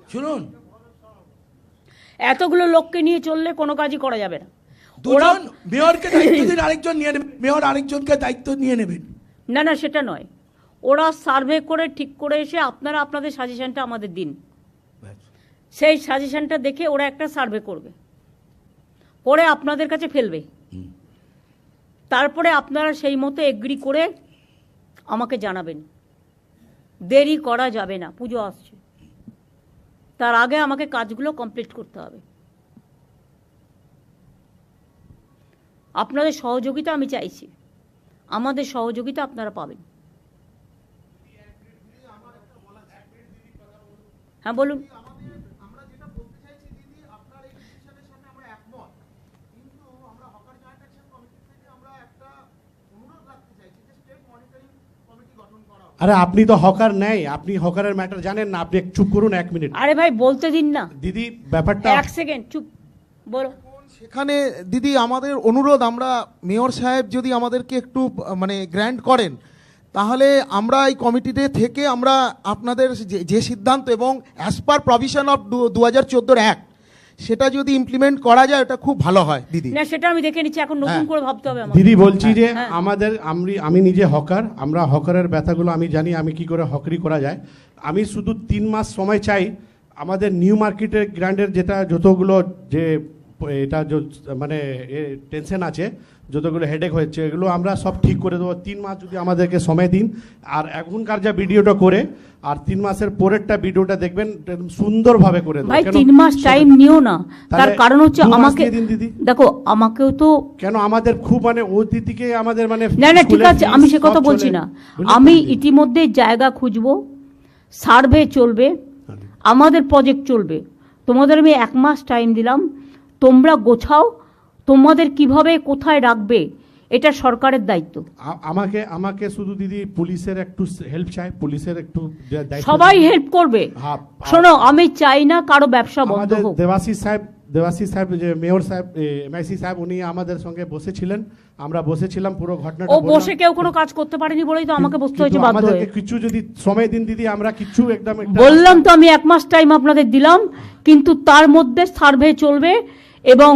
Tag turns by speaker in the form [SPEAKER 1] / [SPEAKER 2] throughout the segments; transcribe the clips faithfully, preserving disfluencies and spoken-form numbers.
[SPEAKER 1] শুনুন,
[SPEAKER 2] এতগুলো লোককে নিয়ে চললে কোনো কাজই করা যাবে না।
[SPEAKER 1] দুজন মেয়রকে দায়িত্ব দিন, আরেকজন নিয়ে নেবেন, মেয়র আরেকজনকে দায়িত্ব নিয়ে নেবেন।
[SPEAKER 2] না না, সেটা নয়। ওরা সার্ভে করে ঠিক করে এসে আপনারা আপনাদের সাজেশনটা আমাদের দিন, সেই সাজেশনটা দেখে ওরা একটা সার্ভে করবে, করে আপনাদের কাছে ফেলবে, তারপরে আপনারা সেই মতো এগ্রি করে আমাকে জানাবেন। দেরি করা যাবে না, পুজো আসছে, তার আগে আমাকে কাজগুলো কমপ্লিট করতে হবে। আপনাদের সহযোগিতা আমি চাইছি, আমাদের সহযোগিতা আপনারা পাবেন। হ্যাঁ বলুন।
[SPEAKER 3] আরে আপনি তো হকার নেই, আপনি হকারের ম্যাটার জানেন না, আপনি চুপ করুন এক মিনিট।
[SPEAKER 2] আরে ভাই বলতে দিন না
[SPEAKER 3] দিদি, ব্যাপারটা
[SPEAKER 2] এক সেকেন্ড চুপ, বলো।
[SPEAKER 4] সেখানে দিদি আমাদের অনুরোধ, আমরা মেয়র সাহেব যদি আমাদেরকে একটু মানে গ্র্যান্ট করেন, তাহলে আমরা এই কমিটিতে থেকে আমরা আপনাদের যে- যে সিদ্ধান্ত এবং অ্যাজ পার প্রভিশন অফ দু হাজার চোদ্দোর অ্যাক্ট, সেটা যদি ইমপ্লিমেন্ট করা যায় এটা খুব ভালো হয় দিদি।
[SPEAKER 2] না সেটা আমি দেখে নিচ্ছি, এখন নতুন
[SPEAKER 4] হ্যাঁ।
[SPEAKER 2] করে ভাবতে হবে আমার।
[SPEAKER 3] দিদি বলছি যে
[SPEAKER 2] হ্যাঁ।
[SPEAKER 3] আমাদের আমি আমি নিজে হকার, আমরা হকারের ব্যথাগুলো আমি জানি, আমি কি করে হকারি করা যায়। আমি শুধু তিন মাস সময় চাই, আমাদের নিউ মার্কেটের গ্র্যান্ডের যেটা যতগুলো যে এটা যে- মানে টেনশন আছে, যতগুলো হেডেক হয়েছে, এগুলো আমরা সব ঠিক করে দেবো। তিন মাস যদি আমাদেরকে সময় দিন, আর এখনকার যা ভিডিওটা করে আর তিন মাসের পরেরটা ভিডিওটা দেখবেন, সুন্দরভাবে করে দেবো।
[SPEAKER 2] ভাই
[SPEAKER 3] কেন?
[SPEAKER 2] তিন মাস টাইম নিও না, তার
[SPEAKER 3] তাহলে
[SPEAKER 2] কারণ হচ্ছে
[SPEAKER 3] দু মাস
[SPEAKER 2] আমাকে
[SPEAKER 3] দিয়ে দিন দিদি।
[SPEAKER 2] দেখো, আমাকেও তো
[SPEAKER 3] কেন আমাদের খুব মানে অতিথিকে আমাদের মানে
[SPEAKER 2] না না ঠিক
[SPEAKER 3] স্কুলের
[SPEAKER 2] আছে,
[SPEAKER 3] fees
[SPEAKER 2] আমি সে
[SPEAKER 3] সব
[SPEAKER 2] কথা
[SPEAKER 3] চলে।
[SPEAKER 2] বলছি না।
[SPEAKER 3] বুঝলেন তো
[SPEAKER 2] আমি
[SPEAKER 3] দিদি?
[SPEAKER 2] ইতিমধ্যে জায়গা খুঁজবো, সার্ভে চলবে, আমাদের প্রজেক্ট চলবে। তোমাদের আমি এক মাস টাইম দিলাম, তোমরা গোছাও, তোমাদের কিভাবে কোথায় রাখবে এটা সরকারের দায়িত্ব।
[SPEAKER 3] আ- আমাকে আমাকে শুধু দিদি পুলিশের একটু হেল্প চাই, পুলিশের একটু দা- দায়িত্ব
[SPEAKER 2] সবাই
[SPEAKER 3] দিন।
[SPEAKER 2] হেল্প করবে।
[SPEAKER 3] হ্যাঁ,
[SPEAKER 2] শোনো, আমি চাই না কারো ব্যবসা বন্ধ
[SPEAKER 3] আমাদের
[SPEAKER 2] হোক।
[SPEAKER 3] দেবাশিস সাহেব দেবাশিস সাহেব যে মেয়র সাহেব এমআইসি সাহেব, উনি আমাদের সঙ্গে বসেছিলেন, আমরা বসেছিলাম, পুরো ঘটনাটা
[SPEAKER 2] ও
[SPEAKER 3] বললাম।
[SPEAKER 2] বসে কেউ কোনো কাজ করতে পারেনি বলেই তো আমাকে বসতে
[SPEAKER 3] কিন্তু
[SPEAKER 2] হয়েছে বাধ্য হয়ে।
[SPEAKER 3] আমাদেরকে কিছু যদি সময় দিন দিদি, আমরা কিছু একদম একটা-
[SPEAKER 2] বললাম তো আমি এক মাস টাইম আপনাদের দিলাম, কিন্তু তার মধ্যে সার্ভে চলবে এবং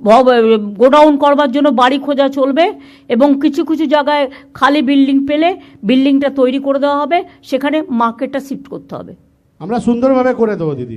[SPEAKER 2] গোডাউন করবার জন্য বাড়ি খোঁজা চলবে, এবং কিছু কিছু জায়গায় খালি বিল্ডিং পেলে বিল্ডিংটা তৈরি করে দেওয়া হবে, সেখানে মার্কেটটা শিফট করতে হবে।
[SPEAKER 3] আমরা সুন্দরভাবে করে দেবো দিদি।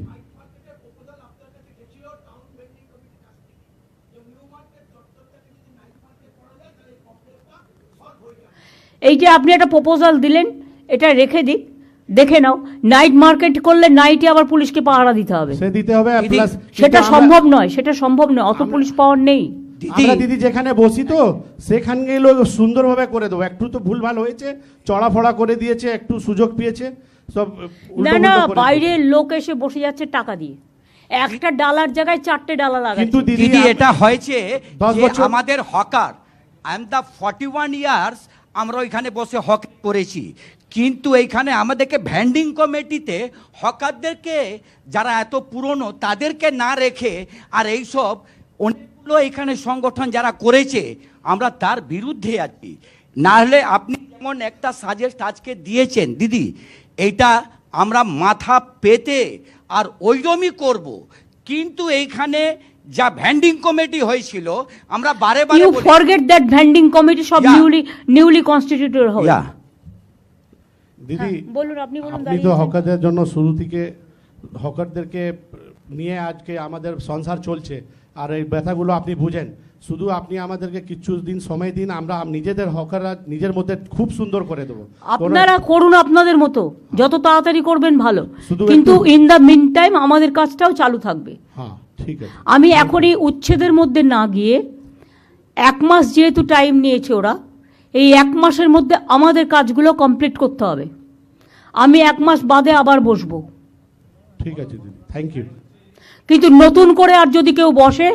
[SPEAKER 2] এই যে আপনি একটা প্রপোজাল দিলেন, এটা রেখে দিক, দেখে নাও। নাইট মার্কেট করলে নাইটে আবার পুলিশকে পাহারা দিতে হবে,
[SPEAKER 3] সে দিতে হবে,
[SPEAKER 1] দিদি,
[SPEAKER 3] প্লাস
[SPEAKER 2] সেটা সম্ভব নয়, সেটা সম্ভব নয়, অত পুলিশ পাওয়ার নেই।
[SPEAKER 3] আমরা দিদি যেখানে বসি তো সেখানে গেলেও সুন্দরভাবে করে দেবো। একটু তো ভুল ভাল হয়েছে, চড়া ফড়া করে দিয়েছে, একটু সুযোগ পেয়েছে, সব
[SPEAKER 2] না
[SPEAKER 3] উল্টো
[SPEAKER 2] না,
[SPEAKER 3] পুল্টো করে দেবো।
[SPEAKER 2] বাইরের লোক এসে বসে যাচ্ছে টাকা দিয়ে, একটা ডালার জায়গায় চারটে ডালা
[SPEAKER 3] কিন্তু
[SPEAKER 2] লাগাচ্ছে।
[SPEAKER 3] দিদি
[SPEAKER 1] দিদি
[SPEAKER 3] আপ-
[SPEAKER 1] এটা হয়েছে
[SPEAKER 3] দশ
[SPEAKER 1] যে
[SPEAKER 3] বছর-
[SPEAKER 1] আমাদের hawker, I am the forty one years আমরা ওইখানে বসে হক করেছি, কিন্তু এইখানে আমাদেরকে ভ্যান্ডিং কমিটিতে হকারদেরকে যারা এত পুরনো তাদেরকে না রেখে, আর এইসব অনেকগুলো এখানে সংগঠন যারা করেছে, আমরা তার বিরুদ্ধে আছি। না হলে আপনি যেমন একটা সাজেস্ট আজকে দিয়েছেন দিদি, এইটা আমরা মাথা পেতে আর ওইরকমই করব, কিন্তু এইখানে যা ভ্যান্ডিং কমিটি হয়েছিল আমরা বারে বারে
[SPEAKER 2] ইউ
[SPEAKER 1] বলি-
[SPEAKER 2] ফরগেট দ্যাট ভ্যান্ডিং কমিটি সব
[SPEAKER 1] Yeah.
[SPEAKER 2] নিউলি নিউলি কনস্টিটিউটেড হবে।
[SPEAKER 1] Yeah.
[SPEAKER 3] দিদি
[SPEAKER 2] হ্যাঁ, বলুন, আপনি বলুন।
[SPEAKER 3] আপনি
[SPEAKER 2] দাঁড়িয়ে
[SPEAKER 3] তো
[SPEAKER 2] আছেন।
[SPEAKER 3] হকারদের জন্য শুরু থেকে হকারদেরকে নিয়ে আজকে আমাদের সংসার চলছে, আর এই ব্যথাগুলো আপনি বুঝেন। শুধু আপনি আমাদেরকে কিছু দিন সময় দিন, আমরা নিজেদের হকাররা নিজের মধ্যে খুব সুন্দর করে দেবো। কোনো-
[SPEAKER 2] আপনারা করুন আপনাদের মতো, যত তাড়াতাড়ি করবেন ভালো,
[SPEAKER 3] শুধু
[SPEAKER 2] কিন্তু
[SPEAKER 3] একটু-
[SPEAKER 2] ইন দ্য মিন টাইম আমাদের কাজটাও চালু থাকবে।
[SPEAKER 3] হ্যাঁ ঠিক আছে।
[SPEAKER 2] আমি এখনই উচ্ছেদের মধ্যে না গিয়ে, এক মাস যেহেতু টাইম নিয়েছে ওরা, এই এক মাসের মধ্যে আমাদের কাজগুলো কমপ্লিট করতে হবে। আমি এক মাস বাদে আবার বসবো,
[SPEAKER 3] ঠিক আছে দিদি, থ্যাংক ইউ।
[SPEAKER 2] কিন্তু নতুন করে আর যদি কেউ বসে,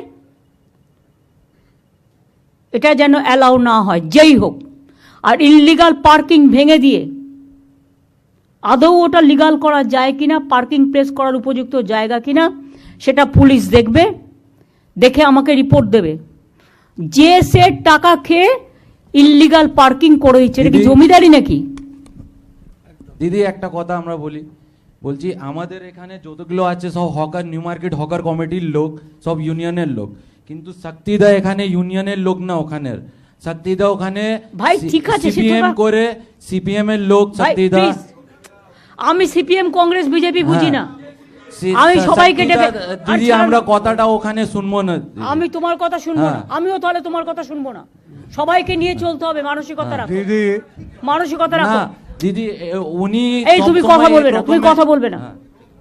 [SPEAKER 2] এটা যেন অ্যালাউ না হয়, যেই হোক। আর ইললিগাল পার্কিং ভেঙে দিয়ে আদৌ ওটা লিগাল করা যায় কিনা, পার্কিং প্লেস করার উপযুক্ত জায়গা কিনা, সেটা পুলিশ দেখবে, দেখে আমাকে রিপোর্ট দেবে। যে সে টাকা খেয়ে ইললিগাল পার্কিং করে দিচ্ছে, এটা কি
[SPEAKER 5] দিদি-
[SPEAKER 2] জমিদারি নাকি?
[SPEAKER 5] দিদি একটা কথা আমরা বলি, বলছি আমাদের এখানে যতগুলো আছে সব হকার, নিউ মার্কেট হকার কমিটির লোক, সব ইউনিয়নের লোক, কিন্তু শক্তিদা এখানে ইউনিয়নের লোক না, ওখানের শক্তিদা ওখানে
[SPEAKER 2] ভাই, ঠিক আছে, সে
[SPEAKER 5] সিপিএম
[SPEAKER 2] তোরা-
[SPEAKER 5] করে, সিপিএম এর লোক
[SPEAKER 2] ভাই,
[SPEAKER 5] শক্তিদা।
[SPEAKER 2] please, আমি সিপিএম কংগ্রেস বিজেপি বুঝি
[SPEAKER 5] হ্যাঁ।
[SPEAKER 2] না।
[SPEAKER 5] সি-
[SPEAKER 2] আমি সবাইকে
[SPEAKER 5] শক্তিদা,
[SPEAKER 2] ডেকে-
[SPEAKER 5] দিদি
[SPEAKER 2] আচ্ছা,
[SPEAKER 5] আমরা কথাটা ওখানে শুনবো না দিদি।
[SPEAKER 2] আমি তোমার কথা শুনবো না,
[SPEAKER 5] হ্যাঁ।
[SPEAKER 2] আমিও তাহলে তোমার কথা শুনবো না। সবাইকে নিয়ে চলতে হবে, মানসিকতা রাখো,
[SPEAKER 6] দিদি
[SPEAKER 2] মানসিকতা
[SPEAKER 5] না
[SPEAKER 2] রাখো।
[SPEAKER 5] দিদি এ- উনি
[SPEAKER 2] এই তুমি
[SPEAKER 5] সবসময়
[SPEAKER 2] কথা বলবে না, তুমি
[SPEAKER 5] প্রথমে-
[SPEAKER 2] কথা বলবে না।
[SPEAKER 5] হ্যাঁ।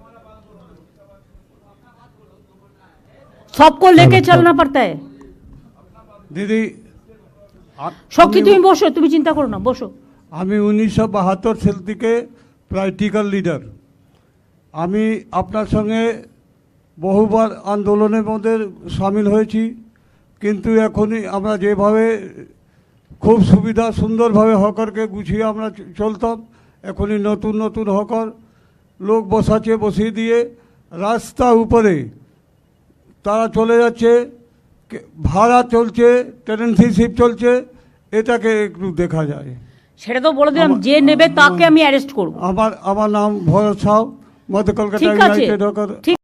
[SPEAKER 2] सबको लेके चलना पड़ता है।
[SPEAKER 6] দিদি আ-
[SPEAKER 2] শক্তি
[SPEAKER 6] আমি-
[SPEAKER 2] তুমি বসো, তুমি চিন্তা করো না, বসো।
[SPEAKER 6] আমি উনিশশো বাহাত্তর সাল থেকে প্র্যাকটিক্যাল লিডার। আমি আপনার সঙ্গে বহুবার আন্দোলনের মধ্যে সামিল হয়েছি, কিন্তু এখনই আমরা যেভাবে খুব সুবিধা সুন্দরভাবে হকারকে গুছিয়ে আমরা চ- চলতাম, এখনই নতুন নতুন হকার লোক বসাচ্ছে, বসিয়ে দিয়ে রাস্তা উপরে তারা চলে যাচ্ছে, কে- ভাড়া চলছে, টেনেন্সিশিপ চলছে, এটাকে একটু দেখা যায়।
[SPEAKER 2] সেটা তো বলে দিলাম,
[SPEAKER 6] আমার-
[SPEAKER 2] যে নেবে তাকে আমি অ্যারেস্ট করব।
[SPEAKER 6] আমার আমার নাম ভরত সাউ, মধ্য কলকাতা
[SPEAKER 2] ঠিক আছে,
[SPEAKER 6] ইউনাইটেড হকার।
[SPEAKER 2] ঠিক